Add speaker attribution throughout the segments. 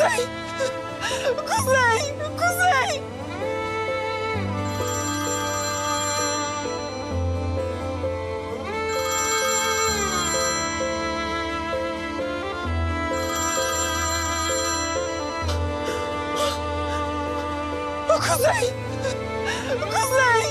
Speaker 1: Kuzey! Kuzey! Kuzey! Kuzey! Kuzey!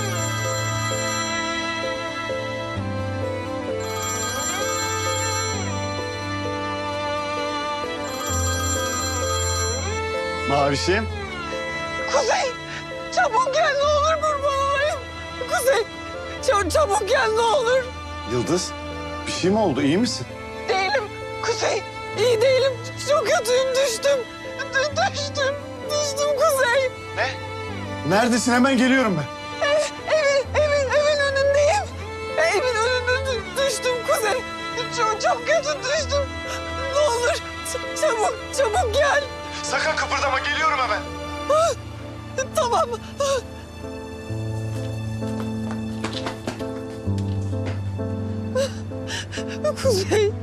Speaker 2: Mavişim.
Speaker 1: Kuzey! Çabuk gel ne olur kurban olayım. Kuzey! Çabuk gel ne olur.
Speaker 2: Yıldız, bir şey mi oldu? İyi misin?
Speaker 1: Değilim. Kuzey! İyi değilim. Çok kötüyüm. Düştüm. Düştüm. Düştüm Kuzey.
Speaker 2: Neredesin? Hemen geliyorum ben.
Speaker 1: Evin önündeyim. Evin önünde düştüm Kuzey. Çok kötü düştüm. Ne olur çabuk gel.
Speaker 2: Sakın kıpırdama, geliyorum hemen.
Speaker 1: Tamam. Kuzey.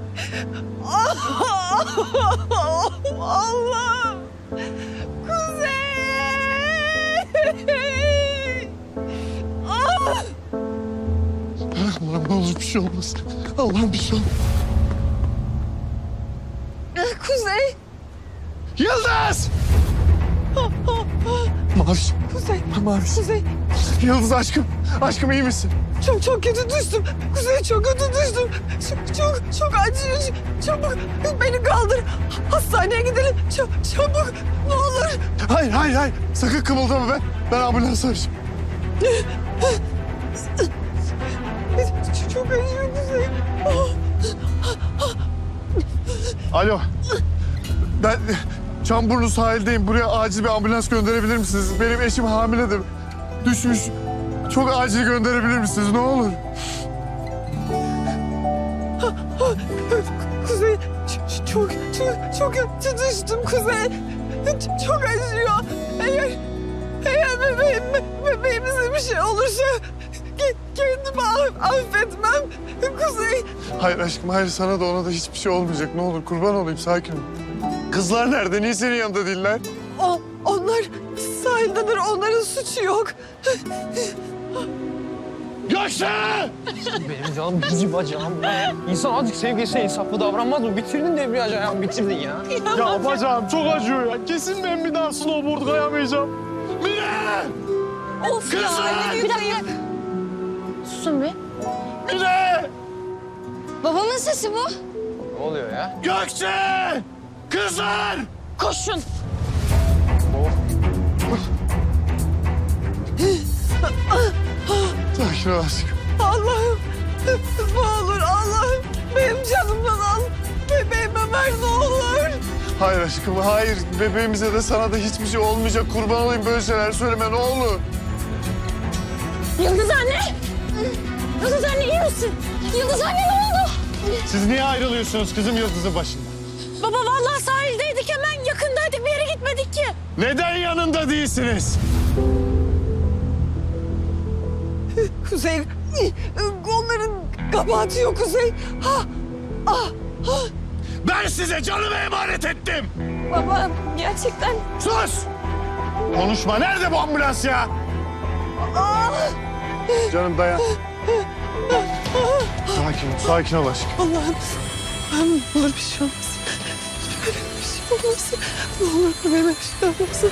Speaker 1: Allah. Kuzey.
Speaker 2: Allah'ım ne olur bir şey olmasın. Allah'ım bir şey olmasın.
Speaker 1: Kuzey.
Speaker 2: Yıldız! Maviş.
Speaker 1: Kuzey.
Speaker 2: Maviş.
Speaker 1: Kuzey.
Speaker 2: Yıldız aşkım. Aşkım iyi misin?
Speaker 1: Çok kötü düştüm. Kuzey çok kötü düştüm. Çok acıyor. Çabuk beni kaldır. Hastaneye gidelim. Çabuk ne olur.
Speaker 2: Hayır. Sakın kımıldama ben ambulans arayacağım.
Speaker 1: Çok acıyor Kuzey.
Speaker 2: Alo. Ben Çamburnu sahildeyim. Buraya acil bir ambulans gönderebilir misiniz? Benim eşim hamiledir. Düşmüş. Çok acil gönderebilir misiniz? Ne olur.
Speaker 1: Kuzey çok kötü düştüm Kuzey. Çok acıyor. Eğer bebeğimize bir şey olursa kendimi affetmem. Kuzey.
Speaker 2: Hayır aşkım, hayır. Sana da ona da hiçbir şey olmayacak. Ne olur kurban olayım, sakin ol. Kızlar nerede? Niye senin yanında değiller?
Speaker 1: Onlar sahildedir. Onların suçu yok.
Speaker 2: Gökçe!
Speaker 3: Benim canım cici bacağım ya. İnsan azıcık sevgisine insaflı davranmaz mı? Bitirdin debriyajı ayağım, bitirdin ya.
Speaker 2: Ya bacağım çok acıyor ya. Kesin ben bir daha snowboard kayamayacağım. Mine!
Speaker 4: Of
Speaker 2: Kızım!
Speaker 4: ya. Bir dakika. Susun be.
Speaker 2: Mine!
Speaker 4: Babamın sesi bu.
Speaker 3: Ne oluyor ya?
Speaker 2: Gökçe! Kızlar!
Speaker 4: Koşun.
Speaker 2: Sakin ol aşkım.
Speaker 1: Allah'ım ne olur Allah'ım benim canımdan al. Bebeğime ver ne olur.
Speaker 2: Hayır aşkım, hayır. Bebeğimize de sana da hiçbir şey olmayacak. Kurban olayım, böyle şeyler söyleme ne olur.
Speaker 4: Yıldız anne. Yıldız anne iyi misin? Yıldız anne ne oldu?
Speaker 2: Siz niye ayrılıyorsunuz kızım Yıldız'ın başında?
Speaker 4: Baba vallahi sahildeydik hemen yakındaydık bir yere gitmedik ki.
Speaker 2: Neden yanında değilsiniz?
Speaker 1: Kuzey onların kabahati yok Kuzey.
Speaker 2: Ben size canımı emanet ettim.
Speaker 4: Baba gerçekten.
Speaker 2: Sus! Konuşma. Nerede bu ambulans ya? Canım dayan. Sakin ol aşkım.
Speaker 1: Allah'ım ne olur bir şey olmasın. Bebeğime bir şey olmasın. Ne olur bebeğime bir şey olmasın.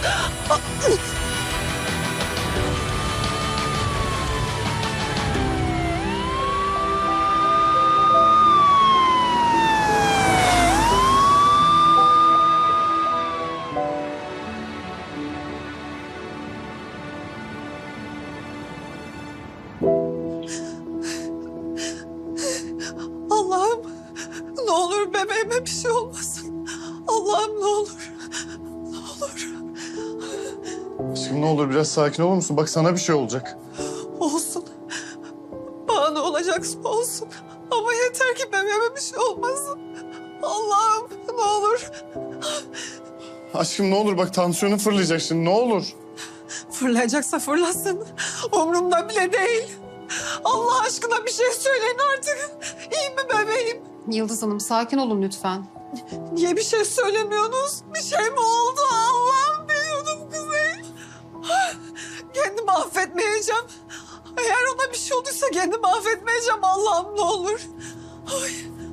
Speaker 1: Allah'ım ne olur bebeğime bir şey olmasın. Allah'ım ne olur. Ne olur.
Speaker 2: Aşkım ne olur biraz sakin olur musun? Bak sana bir şey olacak.
Speaker 1: Olsun. Bana ne olacaksa olsun. Ama yeter ki bebeğime bir şey olmasın. Allah'ım ne olur.
Speaker 2: Aşkım ne olur bak tansiyonun fırlayacak şimdi ne olur.
Speaker 1: Fırlayacaksa fırlasın. Umurumda bile değil. Allah aşkına bir şey söyleyin artık. İyi mi bebeğim?
Speaker 5: Yıldız Hanım sakin olun lütfen.
Speaker 1: Niye bir şey söylemiyorsunuz? Bir şey mi oldu? Allah'ım biliyordum Kuzey. Kendimi affetmeyeceğim. Eğer ona bir şey olduysa kendimi affetmeyeceğim. Allah'ım ne olur. Ay.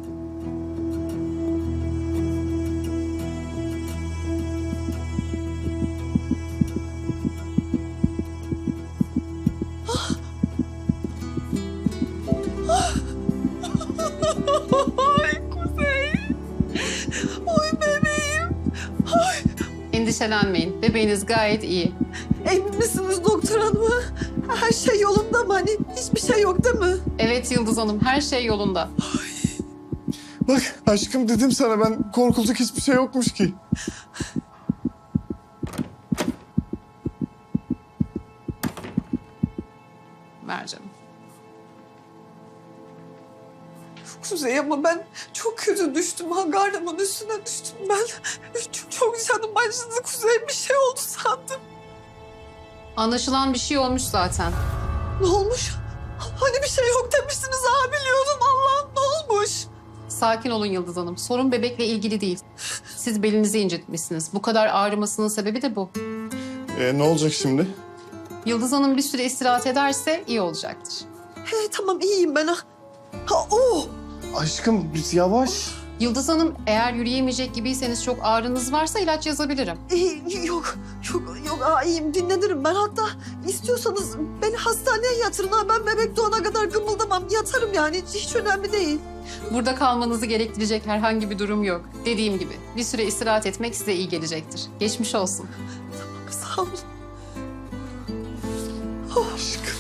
Speaker 1: Ay Kuzey. Oy bebeğim. Ay.
Speaker 5: Endişelenmeyin. Bebeğiniz gayet iyi.
Speaker 1: Emin misiniz doktor hanım? Her şey yolunda mı? Hani hiçbir şey yok değil mi?
Speaker 5: Evet Yıldız Hanım, her şey yolunda.
Speaker 2: Bak aşkım dedim sana ben korkulacak hiçbir şey yokmuş ki.
Speaker 5: Ver canım.
Speaker 1: Kuzey ama ben çok kötü düştüm. Hangarımın üstüne düştüm ben. Çok canım acıdı Kuzey. Bir şey oldu sandım.
Speaker 5: Anlaşılan bir şey olmuş zaten.
Speaker 1: Ne olmuş? Hani bir şey yok demiştiniz ha biliyordum. Allah'ım ne olmuş?
Speaker 5: Sakin olun Yıldız Hanım. Sorun bebekle ilgili değil. Siz belinizi incitmişsiniz. Bu kadar ağrımasının sebebi de bu.
Speaker 2: Ne olacak şimdi?
Speaker 5: Yıldız Hanım bir süre istirahat ederse iyi olacaktır.
Speaker 1: He tamam iyiyim ben ha. Ha oh.
Speaker 2: Aşkım yavaş.
Speaker 5: Yıldız Hanım eğer yürüyemeyecek gibiyseniz çok ağrınız varsa ilaç yazabilirim.
Speaker 1: Yok iyiyim dinlenirim ben. Hatta istiyorsanız beni hastaneye yatırın ha. Ben bebek doğana kadar gımıldamam. Yatarım yani hiç önemli değil.
Speaker 5: Burada kalmanızı gerektirecek herhangi bir durum yok. Dediğim gibi bir süre istirahat etmek size iyi gelecektir. Geçmiş olsun.
Speaker 1: Sağ olun.
Speaker 2: Aşkım.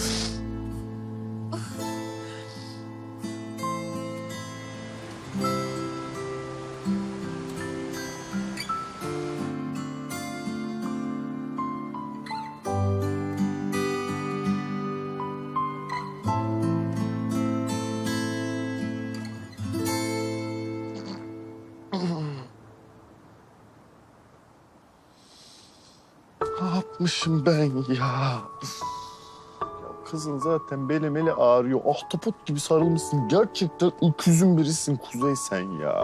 Speaker 2: Ne yapmışım ben ya? Ya kızın zaten beli ağrıyor. Ahtapot gibi sarılmışsın. Gerçekten öküzün birisin Kuzey sen ya.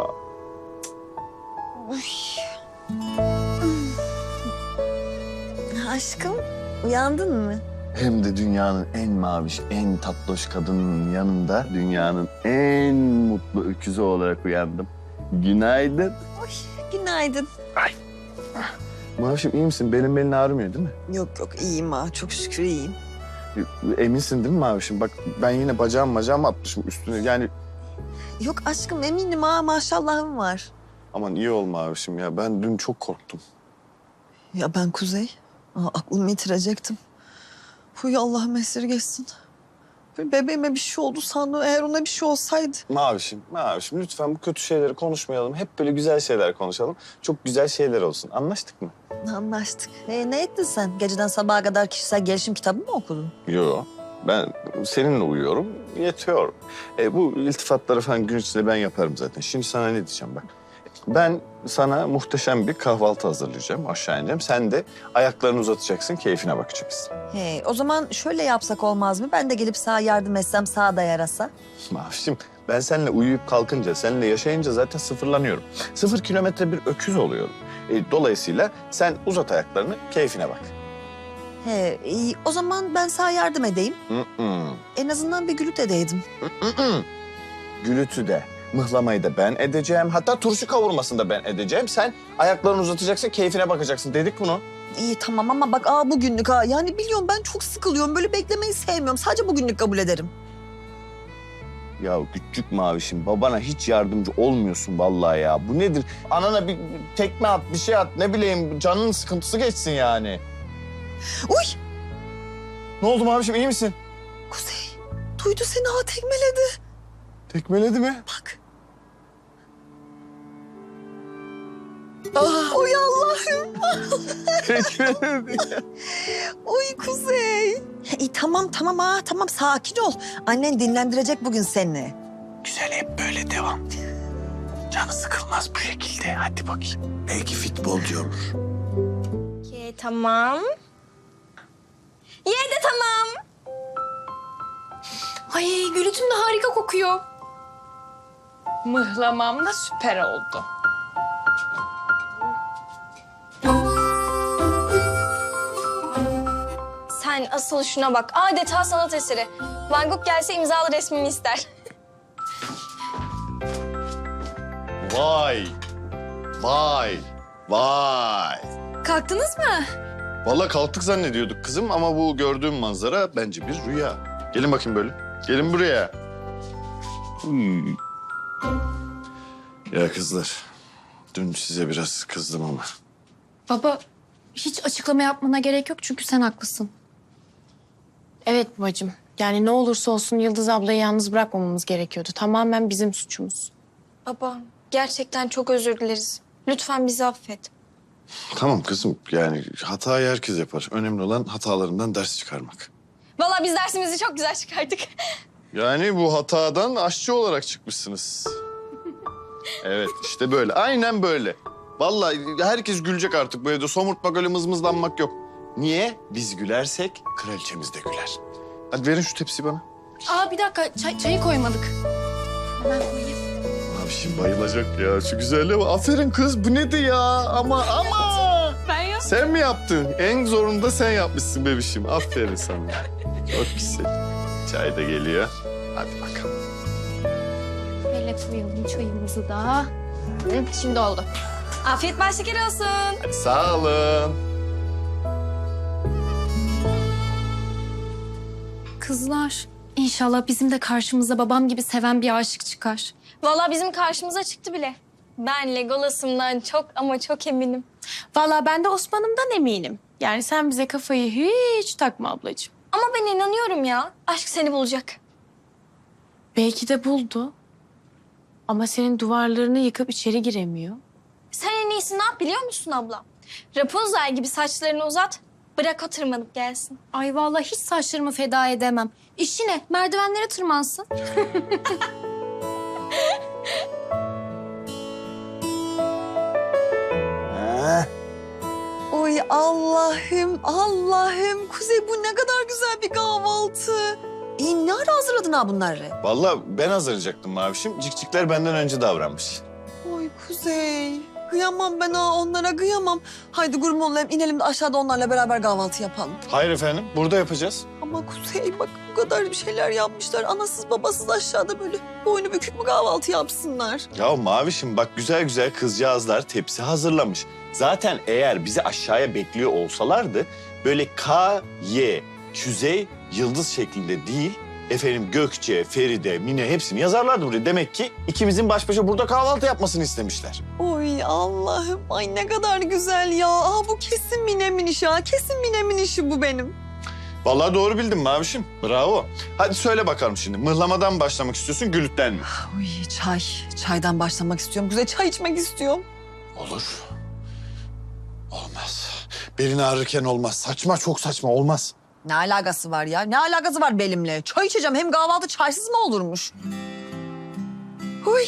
Speaker 1: Aşkım uyandın mı?
Speaker 2: Hem de dünyanın en maviş, en tatlış kadının yanında dünyanın en mutlu öküzü olarak uyandım. Günaydın.
Speaker 1: Günaydın.
Speaker 2: Mavişim iyi misin? Belin ağrımıyor değil mi?
Speaker 1: Yok iyiyim ha çok şükür iyiyim.
Speaker 2: Eminsin değil mi Mavişim? Bak ben yine bacağımı atmışım üstüne. Yani
Speaker 1: Yok aşkım eminim ha maşallahım var.
Speaker 2: aman iyi ol Mavişim ya. Ben dün çok korktum.
Speaker 1: Ya ben Kuzey. Aklımı yitirecektim. Huy Allah'ım esirgesin. Bebeğime bir şey oldu sandım. Eğer ona bir şey olsaydı.
Speaker 2: Mavişim lütfen bu kötü şeyleri konuşmayalım. Hep böyle güzel şeyler konuşalım. Çok güzel şeyler olsun. Anlaştık mı?
Speaker 1: Anlaştık. Ne ettin sen? Geceden sabaha kadar kişisel gelişim kitabı mı okudun?
Speaker 2: Yok. Ben seninle uyuyorum, yetiyor. Bu iltifatları falan gün içinde ben yaparım zaten. Şimdi sana ne diyeceğim bak. Ben sana muhteşem bir kahvaltı hazırlayacağım, aşağı ineceğim. Sen de ayaklarını uzatacaksın, keyfine bakacaksın.
Speaker 1: O zaman şöyle yapsak olmaz mı? Ben de gelip sağa yardım etsem, sağa da yarasa.
Speaker 2: Mavişim, ben seninle uyuyup kalkınca, seninle yaşayınca zaten sıfırlanıyorum. 0 kilometre bir öküz oluyorum. Dolayısıyla sen uzat ayaklarını, keyfine bak.
Speaker 1: İyi. O zaman ben sağa yardım edeyim.
Speaker 2: Mm-mm.
Speaker 1: En azından bir gülüt edeydim.
Speaker 2: Gülütü de, mıhlamayı da ben edeceğim. Hatta turşu kavurmasını da ben edeceğim. Sen ayaklarını uzatacaksın, keyfine bakacaksın. Dedik bunu.
Speaker 1: İyi tamam ama bak bugünlük ha. Yani biliyorum ben çok sıkılıyorum. Böyle beklemeyi sevmiyorum. Sadece bugünlük kabul ederim.
Speaker 2: Ya küçük mavişim, babana hiç yardımcı olmuyorsun vallahi ya. Bu nedir? Anana bir tekme at, bir şey at. Ne bileyim, canının sıkıntısı geçsin yani.
Speaker 1: Uy!
Speaker 2: Ne oldu mavişim, iyi misin?
Speaker 1: Kuzey, duydu seni tekmeledi.
Speaker 2: Tekmeledi mi?
Speaker 1: Bak. Oy Allah'ım.
Speaker 2: Tekmeledi.
Speaker 1: Oy Kuzey. İyi tamam tamam sakin ol. Annen dinlendirecek bugün seni.
Speaker 2: Güzel, hep böyle devam. Canı sıkılmaz bu şekilde. Hadi bakayım. Belki futbolcu olur.
Speaker 4: Tamam. Yedi tamam. Ay gülütüm de harika kokuyor. Mıhlamam da süper oldu. Sen asıl şuna bak. Adeta sanat eseri. Van Gogh gelse imzalı resmini ister.
Speaker 2: Vay. Vay. Vay.
Speaker 4: Kalktınız mı?
Speaker 2: Vallahi kalktık zannediyorduk kızım ama bu gördüğüm manzara bence bir rüya. Gelin bakayım böyle. Gelin buraya. Ya kızlar, dün size biraz kızdım ama.
Speaker 6: Baba, hiç açıklama yapmana gerek yok çünkü sen haklısın. Evet babacığım. Yani ne olursa olsun Yıldız ablayı yalnız bırakmamamız gerekiyordu. Tamamen bizim suçumuz.
Speaker 4: Baba, gerçekten çok özür dileriz. Lütfen bizi affet.
Speaker 2: Tamam kızım, yani hatayı herkes yapar. Önemli olan hatalarından ders çıkarmak.
Speaker 4: Vallahi biz dersimizi çok güzel çıkardık.
Speaker 2: Yani bu hatadan aşçı olarak çıkmışsınız. Evet, işte böyle. Aynen böyle. Vallahi herkes gülecek artık bu evde. Somurtmak, öyle mızmızlanmak yok. Niye? Biz gülersek kraliçemiz de güler. Hadi verin şu tepsiyi bana.
Speaker 6: Aa bir dakika, çayı koymadık. Hemen koyayım.
Speaker 2: Abi şimdi bayılacak ya. Şu güzelliğe bak. Aferin kız, bu nedir ya? Ama.
Speaker 6: Ben ya.
Speaker 2: Sen mi yaptın? En zorunu da sen yapmışsın bebişim. Aferin sana. Çok güzel. Çay da geliyor. Hadi bakalım.
Speaker 6: Böyle koyalım çayımızı da. Hı, şimdi oldu.
Speaker 4: Afiyet bal şeker olsun.
Speaker 2: Hadi sağ olun.
Speaker 6: Kızlar, inşallah bizim de karşımıza babam gibi seven bir aşık çıkar.
Speaker 4: Vallahi bizim karşımıza çıktı bile. Ben Legolas'ımdan çok ama çok eminim.
Speaker 6: Vallahi ben de Osman'ımdan eminim. Yani sen bize kafayı hiç takma ablacığım.
Speaker 4: Ama ben inanıyorum ya. Aşk seni bulacak.
Speaker 6: Belki de buldu. Ama senin duvarlarını yıkıp içeri giremiyor.
Speaker 4: Sen en iyisi ne yap biliyor musun abla? Rapunzel gibi saçlarını uzat. Bırak o tırmanıp gelsin.
Speaker 6: Ay vallahi hiç saçlarımı feda edemem. İşi ne? Merdivenlere tırmansın.
Speaker 1: Oy Allah'ım, Allah'ım. Kuzey bu ne kadar güzel bir kahvaltı. Ne ara hazırladın ha bunları?
Speaker 2: Vallahi ben hazırlayacaktım Mavişim. Cikcikler benden önce davranmış.
Speaker 1: Oy Kuzey. Kıyamam ben ha onlara kıyamam. Haydi kurban olayım inelim de aşağıda onlarla beraber kahvaltı yapalım.
Speaker 2: Hayır efendim, burada yapacağız.
Speaker 1: Ama Kuzey bak bu kadar bir şeyler yapmışlar. Anasız babasız aşağıda böyle boynu bükük mü kahvaltı yapsınlar?
Speaker 2: Ya Mavişim bak güzel güzel kızcağızlar tepsi hazırlamış. Zaten eğer bizi aşağıya bekliyor olsalardı böyle K, Y, Küzey, Yıldız şeklinde değil... Efendim Gökçe, Feride, Mine hepsini yazarlardı buraya. Demek ki ikimizin baş başa burada kahvaltı yapmasını istemişler.
Speaker 1: Oy Allah'ım ay ne kadar güzel ya. Aa, bu kesin Mine'min işi ha. Kesin Mine'min işi bu benim.
Speaker 2: Vallahi doğru bildin Mavişim. Bravo. Hadi söyle bakalım şimdi. Mıhlamadan mı başlamak istiyorsun, gülütten mi?
Speaker 1: Oy çay. Çaydan başlamak istiyorum. Kuzey çay içmek istiyorum.
Speaker 2: Olur. Olmaz. Belin ağrırken olmaz. Saçma, çok saçma. Olmaz.
Speaker 1: Ne alakası var ya? Ne alakası var benimle? Çay içeceğim. Hem kahvaltı çaysız mı olurmuş? Oy.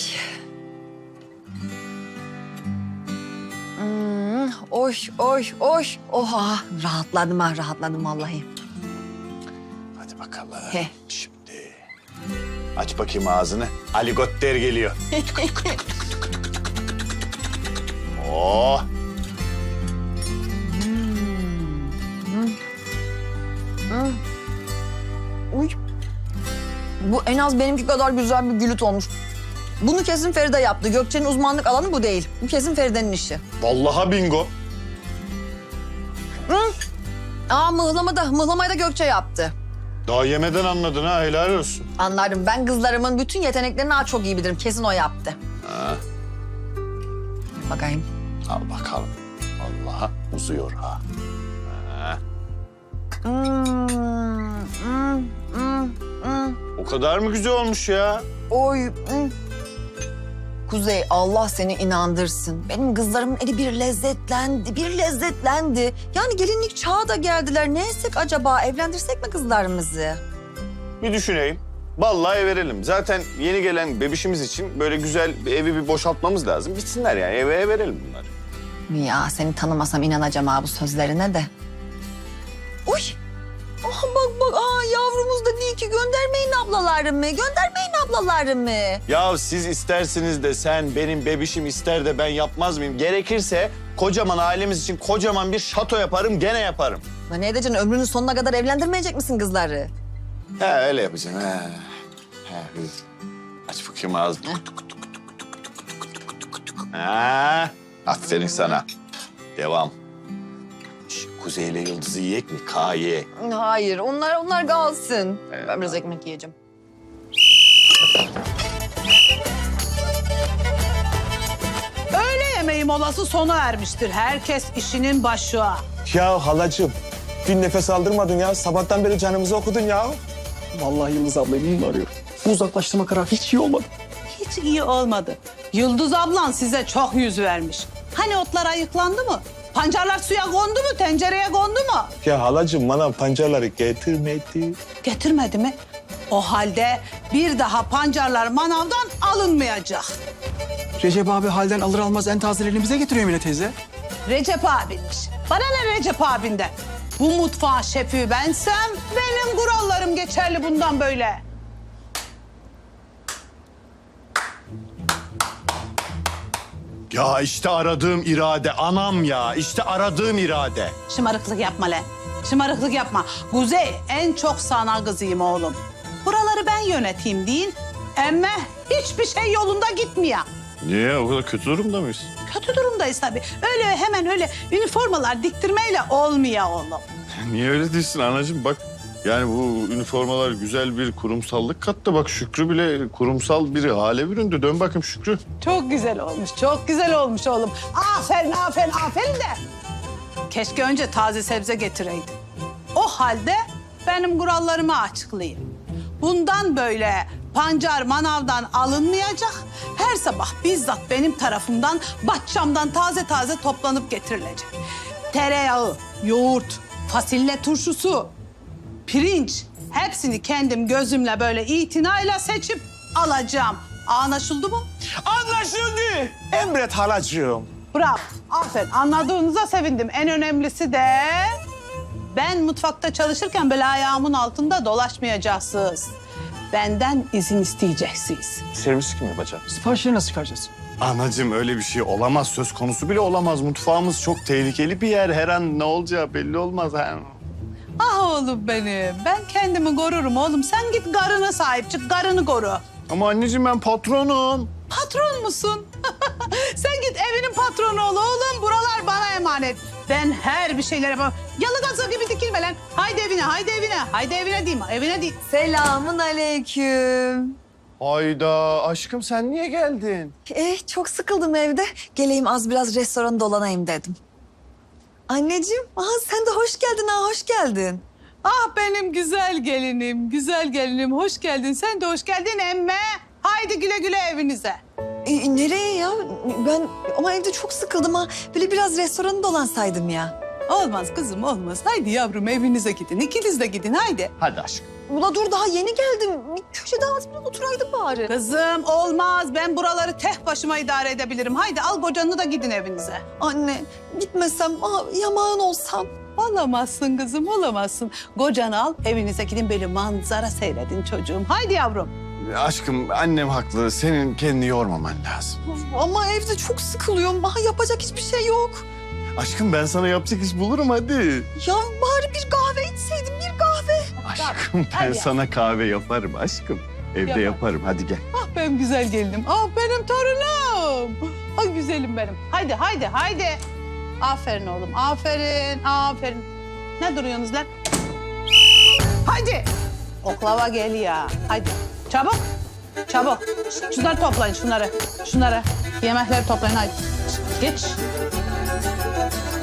Speaker 1: Oy, oy, oy. Oha. Rahatladım ha, rahatladım vallahi.
Speaker 2: Hadi bakalım.
Speaker 1: He.
Speaker 2: Şimdi. Aç bakayım ağzını. Aligotter geliyor. Oh.
Speaker 1: Uy. Bu en az benimki kadar güzel bir gülüt olmuş. Bunu kesin Feride yaptı. Gökçe'nin uzmanlık alanı bu değil. Bu kesin Feride'nin işi.
Speaker 2: Vallahi bingo.
Speaker 1: Aa mıhlamayı da Gökçe yaptı.
Speaker 2: Daha yemeden anladın ha, helal olsun.
Speaker 1: Anlarım. Ben kızlarımın bütün yeteneklerini daha çok iyi bilirim. Kesin o yaptı.
Speaker 2: Ha,
Speaker 1: Bakayım.
Speaker 2: al bakalım. Vallahi uzuyor ha. Ha. O kadar mı güzel olmuş ya?
Speaker 1: Oy. Kuzey Allah seni inandırsın. Benim kızlarımın eli bir lezzetlendi. Yani gelinlik çağı da geldiler. Ne etsek acaba? Evlendirsek mi kızlarımızı?
Speaker 2: Bir düşüneyim. Vallahi verelim. Zaten yeni gelen bebişimiz için böyle güzel bir evi bir boşaltmamız lazım. Bitsinler yani, eve verelim bunları.
Speaker 1: Ya seni tanımasam inanacağım ha bu sözlerine de. Uy. Aha bak yavrumuz da değil ki göndermeyin ablalarımı.
Speaker 2: Ya siz istersiniz de sen benim bebişim ister de ben yapmaz mıyım? Gerekirse kocaman ailemiz için kocaman bir şato yaparım, gene yaparım.
Speaker 1: Lan ne edeceksin? Ömrünün sonuna kadar evlendirmeyecek misin kızları?
Speaker 7: He öyle yapacaksın he. He. Aç bakayım ağzını. Ha, aferin sana. Devam. Kuzey ile Yıldız'ı yiyek mi? Kaye.
Speaker 1: Hayır, onlar kalsın. Ben biraz ekmek yiyeceğim.
Speaker 8: Öğle yemeği molası sona ermiştir. Herkes işinin başına.
Speaker 9: Ya halacığım, bir nefes aldırmadın ya. Sabahtan beri canımızı okudun ya.
Speaker 3: Vallahi Yıldız ablayı bunun arıyor. Bu uzaklaştırma kararı hiç iyi olmadı.
Speaker 8: Hiç iyi olmadı. Yıldız ablan size çok yüz vermiş. Hani otlar ayıklandı mı? Pancarlar suya kondu mu? Tencereye kondu mu?
Speaker 9: Ya halacığım bana pancarları getirmedi.
Speaker 8: Getirmedi mi? O halde bir daha pancarlar manavdan alınmayacak.
Speaker 3: Recep abi halden alır almaz en tazelerini bize getiriyor Emine teyze.
Speaker 8: Recep abinmiş. Bana ne Recep abinden? Bu mutfağın şefi bensem benim kurallarım geçerli bundan böyle.
Speaker 2: Ya işte aradığım irade anam ya. İşte aradığım irade.
Speaker 8: Şımarıklık yapma lan. Şımarıklık yapma. Kuzey en çok sana kızıyım oğlum. Buraları ben yöneteyim deyin. Emme hiçbir şey yolunda gitmiyor.
Speaker 2: Niye? O kadar kötü durumda mıyız?
Speaker 8: Kötü durumdayız tabii. Öyle hemen öyle üniformalar diktirmeyle olmuyor oğlum.
Speaker 2: Niye öyle değilsin anacığım? Bak yani bu üniformalar güzel bir kurumsallık kattı. Bak Şükrü bile kurumsal bir hale büründü. Dön bakayım Şükrü.
Speaker 8: Çok güzel olmuş, çok güzel olmuş oğlum. Aferin, aferin, aferin de. Keşke önce taze sebze getireydin. O halde benim kurallarımı açıklayayım. Bundan böyle pancar manavdan alınmayacak. Her sabah bizzat benim tarafımdan bahçamdan taze taze toplanıp getirilecek. Tereyağı, yoğurt, fasulye turşusu, pirinç hepsini kendim gözümle böyle itinayla seçip alacağım. Anlaşıldı mı?
Speaker 9: Anlaşıldı. Emret halacığım.
Speaker 8: Bravo. Aferin. Anladığınıza sevindim. En önemlisi de ben mutfakta çalışırken böyle ayağımın altında dolaşmayacaksınız. Benden izin isteyeceksiniz.
Speaker 9: Servis kim yapacak?
Speaker 3: Siparişleri nasıl çıkaracağız?
Speaker 2: Anacığım öyle bir şey olamaz. Söz konusu bile olamaz. Mutfağımız çok tehlikeli bir yer. Her an ne olacağı belli olmaz. Ha.
Speaker 8: Ah oğlum benim. Ben kendimi korurum oğlum. Sen git karına sahip çık. Karını koru.
Speaker 2: Ama anneciğim ben patronum.
Speaker 8: Patron musun? Sen git evinin patronu ol oğlum. Buralar bana emanet. Ben her bir şeyler yaparım. Yalı gaza gibi dikilme lan. Haydi evine, haydi evine. Haydi evine diyeyim, evine değil.
Speaker 1: Selamun aleyküm.
Speaker 2: Hayda aşkım sen niye geldin?
Speaker 1: Çok sıkıldım evde. Geleyim az biraz restoranı dolanayım dedim. Anneciğim, sen de hoş geldin hoş geldin.
Speaker 8: Ah benim güzel gelinim, güzel gelinim. Hoş geldin. Sen de hoş geldin emme. Haydi güle güle evinize.
Speaker 1: Nereye ya? Ben ama evde çok sıkıldım ha. Böyle biraz restoranı dolansaydım ya.
Speaker 8: Olmaz kızım olmaz. Haydi yavrum evinize gidin. İkiniz de gidin haydi.
Speaker 2: Hadi aşkım.
Speaker 1: Ula dur daha yeni geldim. Bir köşede az biraz oturaydım bari.
Speaker 8: Kızım olmaz. Ben buraları tek başıma idare edebilirim. Haydi al kocanı da gidin evinize.
Speaker 1: Anne gitmesem, yamağın olsam.
Speaker 8: Olamazsın kızım olamazsın. Kocanı al evinize gidin böyle manzara seyredin çocuğum. Haydi yavrum.
Speaker 2: Aşkım annem haklı. Senin kendini yormaman lazım.
Speaker 1: Ama evde çok sıkılıyorum. Yapacak hiçbir şey yok.
Speaker 2: Aşkım ben sana yapacak iş bulurum hadi.
Speaker 1: Ya bari bir kahve içseydim, bir kahve.
Speaker 2: Aşkım ben
Speaker 8: Hadi.
Speaker 2: sana kahve yaparım aşkım. Evde yaparım hadi gel.
Speaker 8: Ah benim güzel gelinim. Ah benim torunum. Ah güzelim benim. Haydi haydi haydi. Aferin oğlum aferin aferin. Ne duruyorsunuz lan? Haydi. Oklava geliyor. Haydi. Çabuk. Çabuk. Şunları toplayın şunları. Şunları. Yemekleri toplayın haydi. Geç.